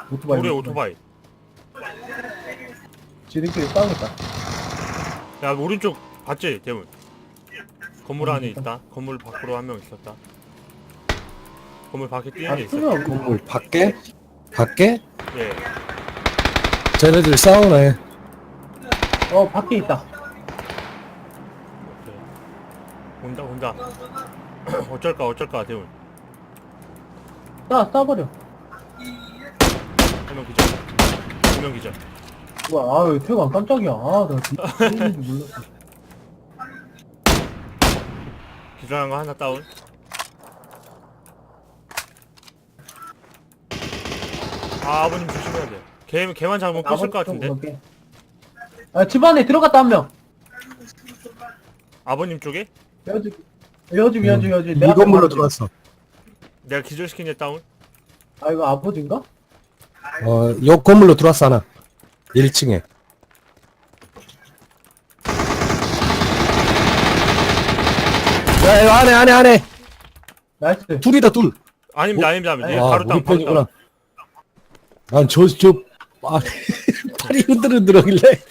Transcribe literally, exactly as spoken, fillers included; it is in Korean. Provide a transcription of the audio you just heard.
오토바이. 우리 오토바이. 지들끼리 싸우겠다. 야, 오른쪽 봤지, 대문. 건물 음, 안에 일단. 있다. 건물 밖으로 한 명 있었다. 건물 밖에 뛰는 아, 애 있어. 투명. 건물 밖에? 밖에? 예. 쟤네들 싸우네. 어, 밖에 있다. 오케이. 온다, 온다. 어쩔까, 어쩔까, 대문. 싸, 싸버려. 한 명 기절. 두 명 기절. 우와, 아유, 태관 깜짝이야. 아, 나 뒤에 줄 몰랐어. 기절한 거 하나 다운. 아, 아버님 조심해야 돼. 걔, 걔만 잡으면 끝일 것 같은데. 오케이. 아, 집 안에 들어갔다 한 명. 아버님 쪽에? 여주, 여주, 여주, 여주. 이 건물로 들어왔어. 내가 기절시킨 애 다운. 아, 이거 아버지인가? 어, 요 건물로 들어왔어, 하나. 일 층에. 야, 이거 안에, 안에, 안에! 나이스. 둘이다, 둘! 아닙니다, 아닙니다. 아닙니다. 아, 바로 다운, 우리 바로 편이구나. 다운. 아, 저, 저, 아, 팔이 흔들흔들하길래.